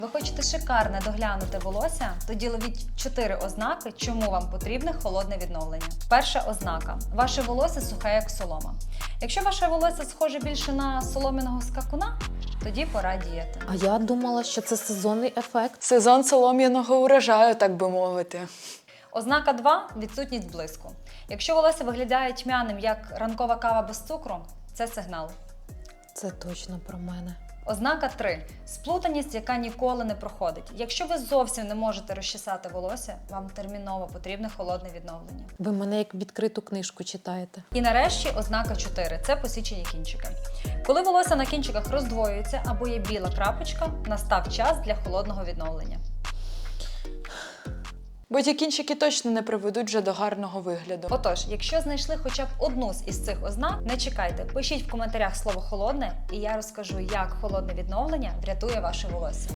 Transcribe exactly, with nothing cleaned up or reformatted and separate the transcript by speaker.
Speaker 1: Ви хочете шикарне доглянути волосся? Тоді ловіть чотири ознаки, чому вам потрібне холодне відновлення. Перша ознака. Ваше волосся сухе, як солома. Якщо ваше волосся схоже більше на солом'яного скакуна, тоді пора діяти.
Speaker 2: А я думала, що це сезонний ефект.
Speaker 3: Сезон солом'яного урожаю, так би мовити.
Speaker 1: Ознака два – відсутність блиску. Якщо волосся виглядає тьмяним, як ранкова кава без цукру, це сигнал.
Speaker 2: Це точно про мене.
Speaker 1: Ознака три – сплутаність, яка ніколи не проходить. Якщо ви зовсім не можете розчесати волосся, вам терміново потрібне холодне відновлення.
Speaker 2: Ви мене як відкриту книжку читаєте.
Speaker 1: І нарешті ознака чотири – це посічені кінчики. Коли волосся на кінчиках роздвоюється або є біла крапочка, настав час для холодного відновлення.
Speaker 3: Бо ті кінчики точно не приведуть вже до гарного вигляду.
Speaker 1: Отож, якщо знайшли хоча б одну з із цих ознак, не чекайте, пишіть в коментарях слово «холодне» і я розкажу, як холодне відновлення врятує ваше волосся.